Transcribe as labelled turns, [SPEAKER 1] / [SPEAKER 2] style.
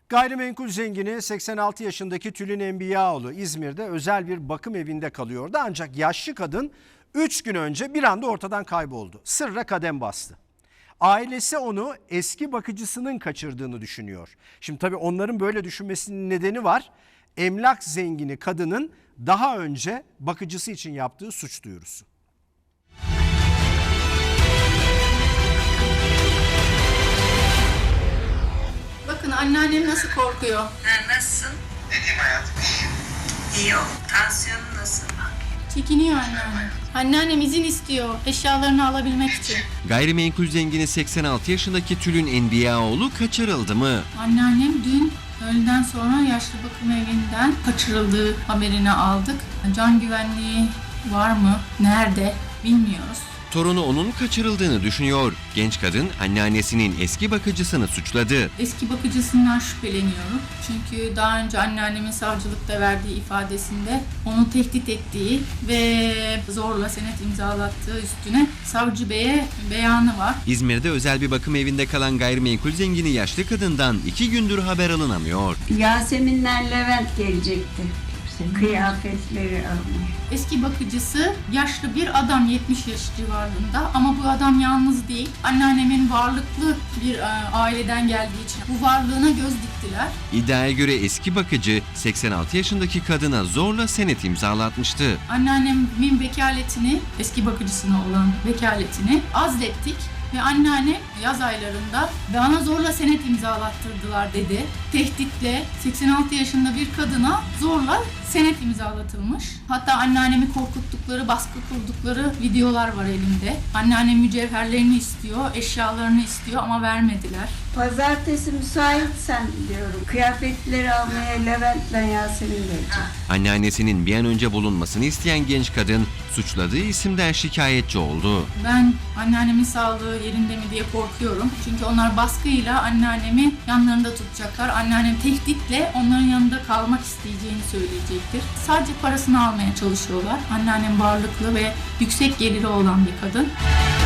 [SPEAKER 1] Gayrimenkul zengini 86 yaşındaki Tülin Enbiyaoğlu İzmir'de özel bir bakım evinde kalıyordu. Ancak yaşlı kadın 3 gün önce bir anda ortadan kayboldu. Sırra kadem bastı. Ailesi onu eski bakıcısının kaçırdığını düşünüyor. Şimdi tabii onların böyle düşünmesinin nedeni var. Emlak zengini kadının daha önce bakıcısı için yaptığı suç duyurusu.
[SPEAKER 2] Bakın anneannem nasıl korkuyor.
[SPEAKER 3] Nasılsın?
[SPEAKER 4] Ne diyeyim hayatım?
[SPEAKER 3] İyi ol. Tansiyonun nasıl?
[SPEAKER 2] Çekiniyor anneannem. Anneannem izin istiyor eşyalarını alabilmek için.
[SPEAKER 5] Gayrimenkul zengini 86 yaşındaki Tülin Enbiyaoğlu kaçırıldı mı?
[SPEAKER 2] Anneannem dün öğleden sonra yaşlı bakım evinden kaçırıldığı haberini aldık. Can güvenliği var mı? Nerede? Bilmiyoruz.
[SPEAKER 5] Torunu onun kaçırıldığını düşünüyor. Genç kadın anneannesinin eski bakıcısını suçladı.
[SPEAKER 2] Eski bakıcısından şüpheleniyorum. Çünkü daha önce anneannemin savcılıkta verdiği ifadesinde onu tehdit ettiği ve zorla senet imzalattığı üstüne savcı beye beyanı var.
[SPEAKER 5] İzmir'de özel bir bakım evinde kalan gayrimenkul zengini yaşlı kadından 2 gündür haber alınamıyor.
[SPEAKER 6] Yaseminler Levent gelecekti. Kıyafetleri almaya.
[SPEAKER 2] Eski bakıcısı yaşlı bir adam 70 yaş civarında ama bu adam yalnız değil. Anneannemin varlıklı bir aileden geldiği için bu varlığına göz diktiler.
[SPEAKER 5] İddiaya göre eski bakıcı 86 yaşındaki kadına zorla senet imzalatmıştı.
[SPEAKER 2] Anneannemin vekaletini, eski bakıcısına olan vekaletini azlettik. Ve anneannem yaz aylarında bana zorla senet imzalattırdılar dedi. Tehditle 86 yaşında bir kadına zorla senet imzalatılmış. Hatta anneannemi korkuttukları, baskı kurdukları videolar var elimde. Anneannem mücevherlerini istiyor, eşyalarını istiyor ama vermediler.
[SPEAKER 6] Pazartesi müsaitsen diyorum. Kıyafetleri almaya Levent'le Yasemin gelecek.
[SPEAKER 5] Anneannesinin bir an önce bulunmasını isteyen genç kadın suçladığı isimden şikayetçi oldu.
[SPEAKER 2] Ben anneannemin sağlığı yerinde mi diye korkuyorum. Çünkü onlar baskıyla anneannemi yanlarında tutacaklar. Anneannem tehditle onların yanında kalmak isteyeceğini söyleyecektir. Sadece parasını almaya çalışıyorlar. Anneannem varlıklı ve yüksek geliri olan bir kadın.